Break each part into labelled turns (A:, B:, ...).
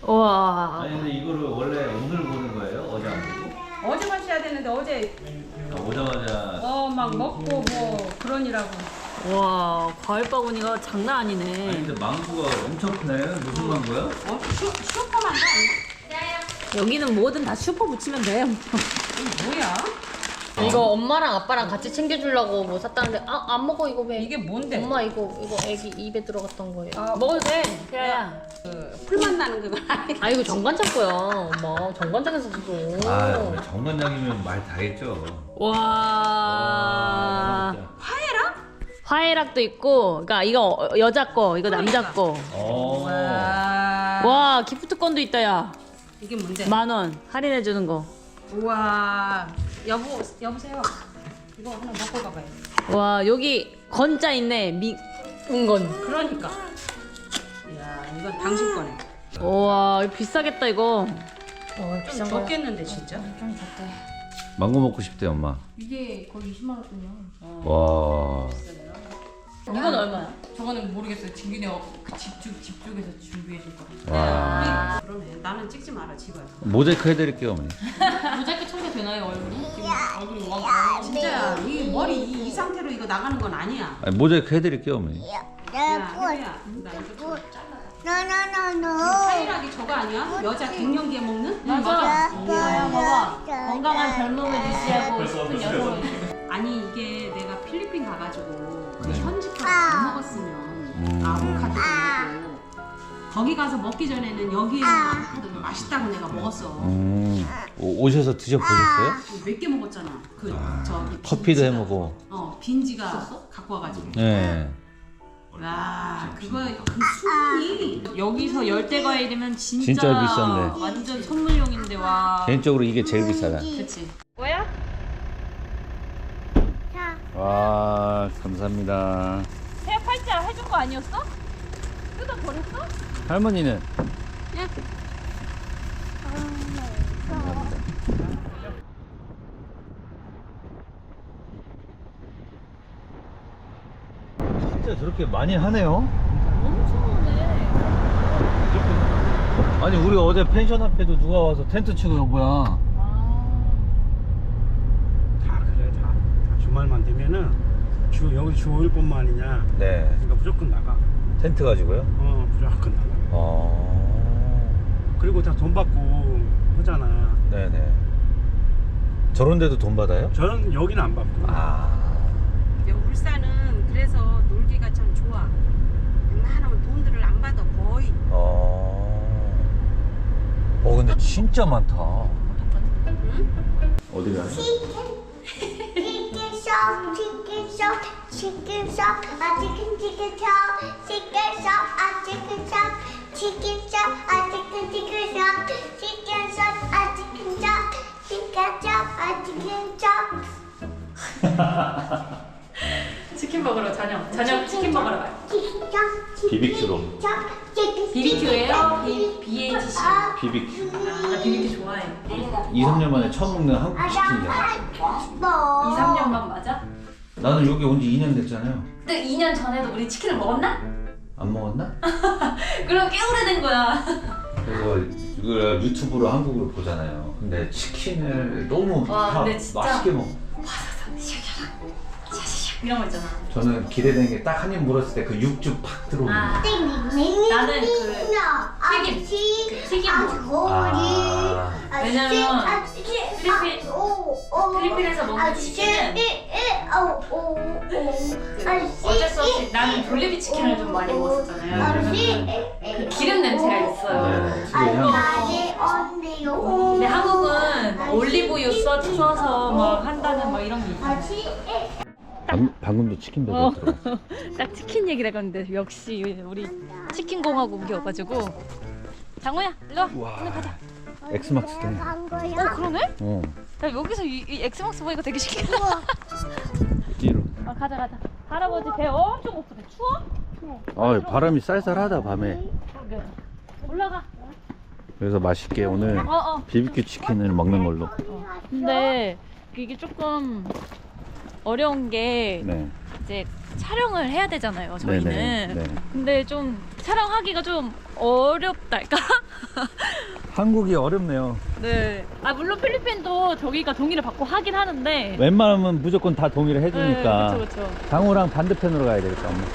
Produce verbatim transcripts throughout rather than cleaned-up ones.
A: 와.
B: 아니 근데 이거를 원래 오늘 보는 거예요? 어제 안 보고?
C: 어제 마셔야 되는데 어제
B: 아, 오자마자
C: 어 막 먹고 뭐 그러니라고.
A: 와, 과일 바구니가 장난
B: 아니
A: 아니네.
B: 근데 망고가 엄청 크네. 무슨 망고야?
C: 어? 슈, 슈퍼만도 아니야?
A: 여기는 뭐든 다 슈퍼 붙이면 돼.
C: 이게 뭐야?
A: 이거 엄마랑 아빠랑 같이 챙겨주려고 뭐 샀다는데 아, 안 먹어 이거 왜?
C: 이게 뭔데?
A: 엄마 이거 이거 애기 입에 들어갔던 거예요.
C: 아,
A: 먹어도 돼. 태아야.
C: 그 풀맛 나는 그거 아니야?
A: 아 이거 정관장 거야. 엄마 정관장에서 샀어.
B: 아 우리 정관장이면 말 다 했죠.
A: 와.
C: 화해랑?
A: 화해락도 있고, 그러니까 이거 여자 거, 이거 남자 거.
B: 어.
C: 와.
A: 와, 기프트콘도 있다 야.
C: 이게 뭔데?
A: 만 원 할인해 주는 거.
C: 우와. 여보 여보세요. 이거 하나 먹고 가봐요.
A: 와, 여기 건자 있네. 미 은건.
C: 그러니까. 이야 이건 당신 거네.
A: 와, 이거 비싸겠다 이거. 와,
C: 좀 적겠는데 진짜?
A: 좀 좋대.
B: 망고 먹고 싶대 엄마.
A: 이게 거의 이십만 원이야.
B: 와.
A: 이건 얼마야?
C: 저거는 모르겠어요. 진균이가 그 집중 집중해서 준비해 줄 거라.
B: 와.
C: 그러네. 나는 찍지 마라 집어요.
B: 모자이크 해드릴게요 어머니.
A: 모자이크 처리가 되나요 얼굴이?
C: 지금 얼굴이 왕. 진짜야. 이 머리 이, 이 상태로 이거 나가는 건 아니야.
B: 아니, 모자이크 해드릴게요 어머니.
C: 야, 혜리야, 나 이거 타이락이 저거 아니야? 여자 갱년기에 먹는?
A: 맞아.
C: 응,
A: 야야 봐봐. 건강한 젊음을 유지하고 싶은 여성.
C: 아니 이게 내가 필리핀 가가지고 그
B: 네.
C: 현지밥 안 먹었으면
B: 음.
C: 아보카도 먹고 거기 가서 먹기 전에는 여기에 있는 아보카도 맛있다고 내가 먹었어.
B: 음. 오, 오셔서 드셔보셨어요?
C: 몇 개 먹었잖아. 그 저기
B: 커피도
C: 빈지가.
B: 해먹고.
C: 어 빈지가 갖고 와가지고.
B: 네.
C: 와 그거 그 수분이
A: 여기서 열대 과일이면 진짜,
B: 진짜 비싼데.
A: 완전 선물용인데 와.
B: 개인적으로 이게 제일 비싸다.
A: 그치. 뭐야?
B: 와 감사합니다.
A: 새 팔자 해준 거 아니었어? 뜯어 버렸어?
B: 할머니는?
A: 예.
B: 감사합니다. 진짜 저렇게 많이 하네요.
A: 엄청 오네.
B: 아니 우리 어제 펜션 앞에도 누가 와서 텐트 치고 온 거야.
D: 다 그래 다, 다 주말만 되면은 주 여기 주 오 일뿐만이냐
B: 네.
D: 그러니까 무조건 나가.
B: 텐트 가지고요?
D: 어 무조건 나가.
B: 어.
D: 그리고 다 돈 받고 하잖아.
B: 네네. 저런 데도 돈 받아요?
D: 저는 여기는 안 받고.
B: 아.
C: 울산은 그래서 놀기가 참 좋아. 웬만하면 돈들을 안 받아 거의.
B: 어. 어 근데 진짜 많다.
C: 응?
B: 어디 가요?
E: Chicken shop, chicken shop, chicken shop, a chicken chicken shop, chicken shop, a chicken shop, chicken shop, a chicken chicken shop, chicken shop, a chicken shop, chicken shop, a chicken shop.
A: 치킨 먹으러 저녁. 저녁 치킨 먹으러 가요.
E: Chicken shop,
B: 비비큐로.
E: chicken shop, chicken
A: 비비큐예요? 비 비에이치씨.
B: 비비큐.
A: 나 비비큐 좋아해.
B: 이, 삼 년 만에 처음 먹는 한국 치킨이야.
A: 이, 삼 년만 맞아?
B: 나는 여기 온 지 이 년 됐잖아요.
A: 근데 이 년 전에도 우리 치킨을 먹었나?
B: 안 먹었나?
A: 그럼 꽤 오래된 거야.
B: 그래서 이걸 유튜브로 한국으로 보잖아요. 근데 치킨을 너무
A: 와,
B: 다
A: 근데 진짜-
B: 맛있게 먹어.
A: 이런 거 있잖아.
B: 저는 기대되는 게 딱 한 입 물었을 때 그 육즙 팍 들어오는
A: 아.
B: 거.
A: 나는 그 튀김, 그 튀김
B: 아.
A: 왜냐면 필리핀- 필리핀에서 먹는 치킨은 어쩔 수 없이 나는 돌리비 치킨을 좀 많이 먹었었잖아요. 그러면 그 기름 냄새가 있어요.
B: 네, 특유의 향.
A: 근데 한국은 올리브유 써, 써서 막 한다는 막 이런 게 있어요.
B: 방, 방금도 치킨
A: 어.
B: 배달 들어갔어.
A: 딱 치킨 얘기를 했는데 역시 우리 치킨 공화국이어가지고. 장호야, 일로 와. 오늘 가자.
B: 엑스막스네.
A: 어, 그러네?
B: 어.
A: 야, 여기서 이, 이 엑스막스 보니까 되게 신기하다.
B: 뒤로.
A: 아, 가자, 가자. 할아버지 배 엄청 고프대. 추워?
B: 아, 바람이 쌀쌀하다 밤에.
A: 그러게. 올라가.
B: 그래서 맛있게 오늘
A: 어, 어.
B: 비비큐 치킨을 먹는 걸로.
A: 근데 이게 조금 어려운 게
B: 네.
A: 이제 촬영을 해야 되잖아요, 저희는.
B: 네네, 네.
A: 근데 좀 촬영하기가 좀 어렵달까?
B: 한국이 어렵네요.
A: 네. 아 물론 필리핀도 저기가 동의를 받고 하긴 하는데.
B: 웬만하면 무조건 다 동의를 해주니까.
A: 네, 그렇죠, 그렇죠.
B: 장호랑 반대편으로 가야 되겠다. 엄마.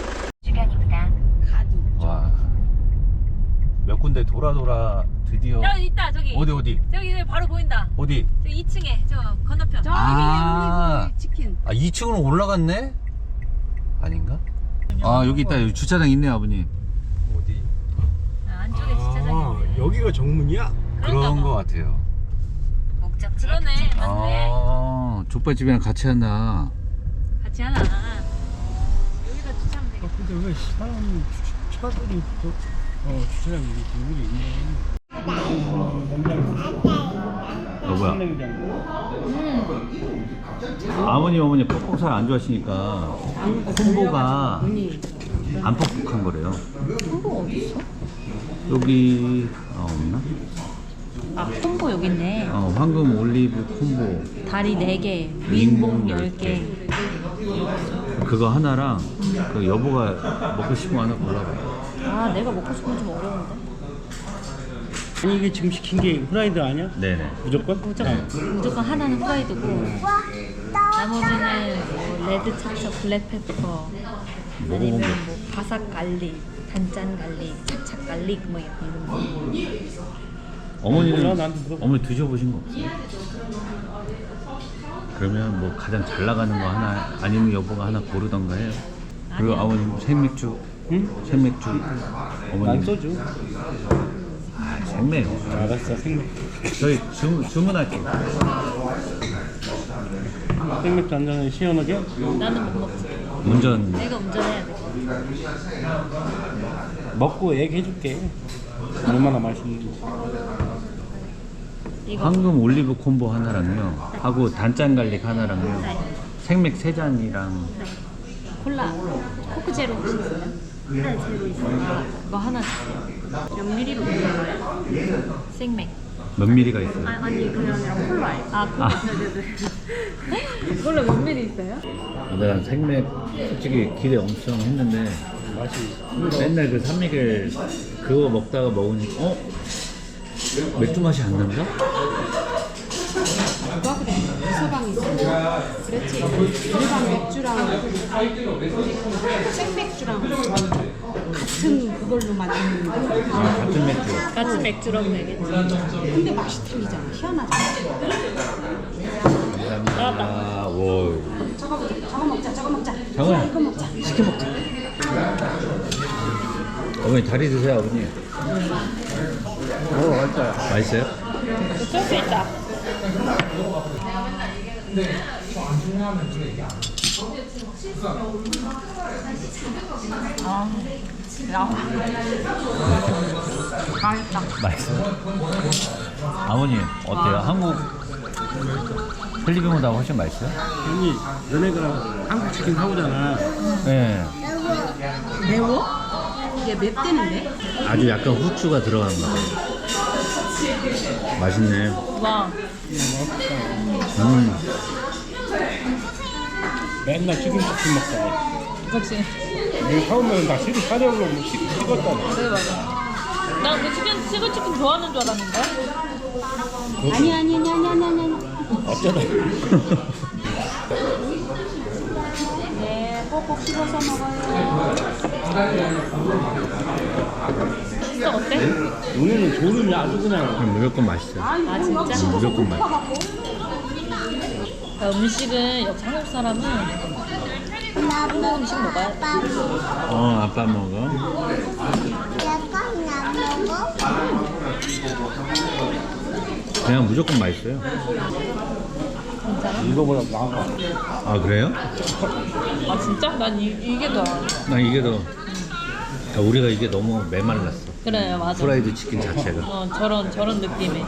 C: 가도
B: 와. 몇 군데 돌아 돌아 드디어.
A: 저기 있다, 저기.
B: 어디 어디?
A: 저기 바로 보인다.
B: 어디?
A: 저기 이 층에 저 건너편.
C: 저기
B: 아.
C: 그 치킨.
B: 아 이 층으로 올라갔네? 아닌가? 아 여기 있다. 여기 주차장 있네 아버님.
D: 어디?
A: 아, 안쪽에 주차장이
D: 아,
A: 있네.
D: 여기가 정문이야?
B: 그런
A: 봐.
B: 거 같아요.
A: 그러네. 맞네.
B: 아 족발집이랑 같이 한다.
A: 같이 하나. 여기다 주차하면 되겠다.
D: 아, 근데 왜 사람 주- 차들이 저, 어, 주차장에 이렇게 있네.
B: 여보야.
A: 음.
B: 아버님 어머니 퍽퍽살 안 좋아하시니까 콤보가 안 퍽퍽한 거래요.
A: 콤보 어디 있어?
B: 여기 아 없나?
A: 아 콤보 여기 있네.
B: 어 황금 올리브 콤보
A: 다리 네 개,
B: 윙봉
A: 윙봉
B: 열
A: 열 개.
B: 그거 하나랑 그 여보가 먹고 싶은 거 하나 골라봐.
A: 아 내가 먹고 싶은 건 좀 어려운데.
D: 아니 이게 지금 시킨 게 후라이드 아니야?
B: 네네.
D: 무조건?
A: 무조건 무조건 하나는 후라이드고 나머지는 뭐 레드 차차 블랙페퍼 아니면 뭐 바삭 갈릭, 단짠 갈릭, 차차 갈릭 뭐 이런 거.
B: 어머니는
D: 몰라, 나한테 물어봐.
B: 어머니 드셔보신 거 없어요? 그러면 뭐 가장 잘 나가는 거 하나 아니면 여보가 하나 고르던가 해요. 그리고
A: 아니야.
B: 아버님 생맥주,
D: 응?
B: 생맥주.
D: 난
B: 어머님
D: 소주.
B: 아, 생맥.
D: 알았어, 생맥.
B: 저희 주문 주문할게요.
D: 생맥주 한 잔에 시원하게?
A: 나는 못 먹지.
B: 운전.
A: 내가 운전해야 돼.
D: 먹고 얘기해줄게. 얼마나 맛있는지.
A: 이거
B: 황금 올리브 콤보 하나랑요. 하고 단짠 갈릭 하나랑요.
A: 네.
B: 생맥 세 잔이랑
A: 콜라 코크 제로 혹시 있어요? 네 제로 있어요. 이거 하나 주세요. 몇 미리로 먹는 거예요? 생맥.
B: 몇 미리가 있어요?
A: 아니 그게 아니라 콜라예요. 아 콜라. 네네네. 콜라 몇 미리 있어요?
B: 난 생맥 솔직히 기대 엄청 했는데
D: 맛이.
B: 맨날 그 산미겔 그거 먹다가 먹으니까 어? 맥주 맛이 안 난다?
C: 누가 그래? 서방이 있어. 그랬지. 일반 맥주랑 생맥주랑 같은 그걸로 만드는 거.
B: 아, 같은 맥주.
A: 같이 맥주라고 되겠지.
C: 근데 맛이 틀리잖아. 희한하잖아.
B: 감사합니다. 오.
C: 저거 먹자. 저거 먹자. 저거 먹자.
B: 장호야.
C: 이거 먹자.
B: 시켜 먹자. 어머니 다리 드세요 아버님.
D: 오, 맛있다.
B: 맛있어요?
A: 소스 있다. 아, 야. 맛있다.
B: 맛있어요? 아버님 어때요? 한국 필리핀보다 훨씬 맛있어요?
D: 형이 너네가 한국 치킨 사오잖아.
B: 네.
C: 매워? 이게 맵대는데?
B: 아주 약간 후추가 들어간 거. 맛있네.
A: 와.
B: 음.
D: 맨날 치킨 치킨 먹다.
A: 그렇지.
D: 이거 사오면 나 치킨 사려고 뭐 치킨 찍었잖아.
A: 그래 맞아. 나그 치킨 치즈 치킨 좋아하는 줄 알았는데.
C: 아니 아니 아니 아니 아니 아니.
D: 어쩌다.
C: 네, 꼭꼭 씹어서 먹어요.
A: 진짜 어때?
D: 오늘은 졸음이 아주 그냥.
B: 그럼 무조건 맛있어요.
A: 아 진짜?
B: 무조건 맛있어.
A: 그러니까 음식은 역시 한국 사람은 한국 음식 먹어야 돼.
B: 어 아빠 먹어.
E: 약간 안 먹어?
B: 그냥 무조건 맛있어요.
A: 진짜로?
D: 이거보다 나아.
B: 아 그래요?
A: 아 진짜? 난 이, 이게 더
B: 난 이게 더. 야, 우리가 이게 너무 메말랐어.
A: 그래 맞아.
B: 프라이드 치킨 자체가.
A: 어 저런 저런 느낌에.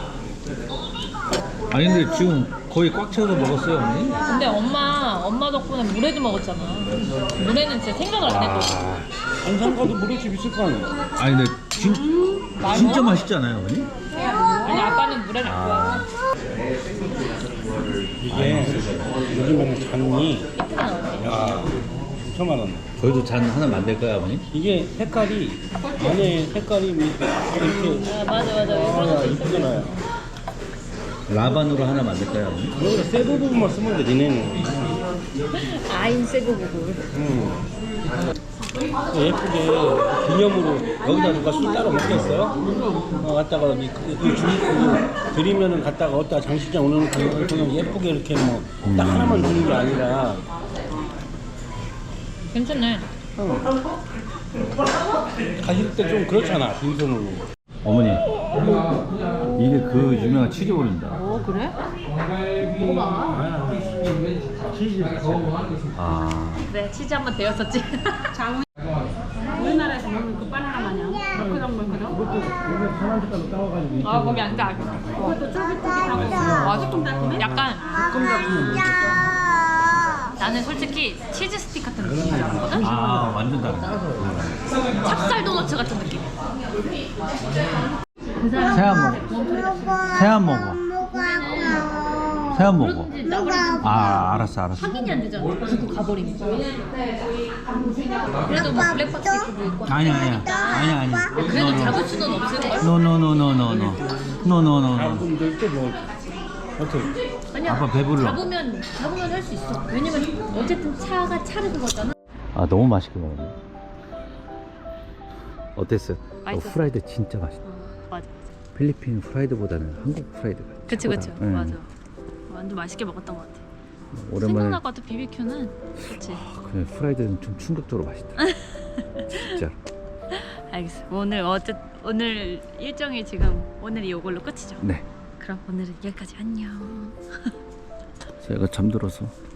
B: 아니 근데 지금 거의 꽉 채워서 먹었어요 어머니?
A: 근데 엄마 엄마 덕분에 물회도 먹었잖아. 물회는 진짜 생각을 안 했거든.
D: 안산 가도 물회집 있을 거 아니야.
B: 아니 근데 진, 진짜 맛있지 않아요 어머니?
A: 아니 아빠는 물회를 안 좋아해.
D: 이게 요즘에는 잔이
A: 예쁘다.
D: 야 이천만 원.
B: 저희도 잔 하나 만들까요, 아버님?
D: 이게 색깔이 안에 색깔이 이렇게
A: 아 맞아 맞아.
D: 아, 이쁘잖아요.
B: 라반으로 하나 만들까요, 아버님?
D: 여기다 새 부분만 쓰면 돼, 니네는.
A: 아인 세고 보고.
D: 음. 예쁘게 기념으로 여기다 누가 술 따로 먹겠어요? 어, 갖다가 이, 이, 이 주, 그, 드리면은 갖다가 어디다 장식장 올려놓고 그냥 예쁘게 이렇게 뭐 딱 하나만 주는 게 아니라.
A: 괜찮네.
D: 어. 가실 때 좀 그렇잖아, 빈손으로.
B: 어머니, 이게 그 유명한 치즈볼입니다.
A: 오 그래?
D: 치즈.
B: 아,
A: 네 치즈 한번 데웠었지.
C: 장우 우리나라에서 먹는 그 바나나 마냥 멀크덩 멀크덩.
A: 아 거기 안 돼.
C: 그것도 쫄깃쫄깃하고
A: 아 조금 달콤해? 약간
E: 야.
A: 나는 솔직히 치즈 스틱 같은 느낌이 나거든?
B: 아 완전 다르다.
A: 찹쌀 도너츠 같은 느낌.
B: 새안 먹어. 새안 먹어. 새안 먹어. 아, 알았어, 알았어.
A: 확인이 안 되잖아. 두고 가버리면. 그래도 뭐 블랙박스 입고 있고.
B: 아니야, 아니야, 아니야, 아니야.
A: 그래도 잡을 수는 없을 걸?
B: 노노노노노노, 노노노노.
D: 분들 또뭐 어떻게?
A: 아니야.
B: 아빠 배불러.
A: 잡으면 잡으면 할 수 있어. 왜냐면 어쨌든 차가 차르는 거잖아.
B: 아, 너무 맛있게 먹었네. 어땠어요? 어,
A: 맛있었어.
B: 프라이드 진짜 맛있다.
A: 맞아.
B: 필리핀 프라이드보다는 한국 프라이드가
A: 그치
B: 최고다.
A: 그치.
B: 응.
A: 맞아. 완전 맛있게 먹었던 것 같아.
B: 오랜만에
A: 생각날 것 같아 비비큐는. 그치.
B: 그냥 프라이드는 좀 충격적으로 맛있다. 진짜.
A: 알겠어. 오늘 어째 오늘 일정이 지금 오늘이 이걸로 끝이죠.
B: 네.
A: 그럼 오늘은 여기까지 안녕.
B: 제가 잠들어서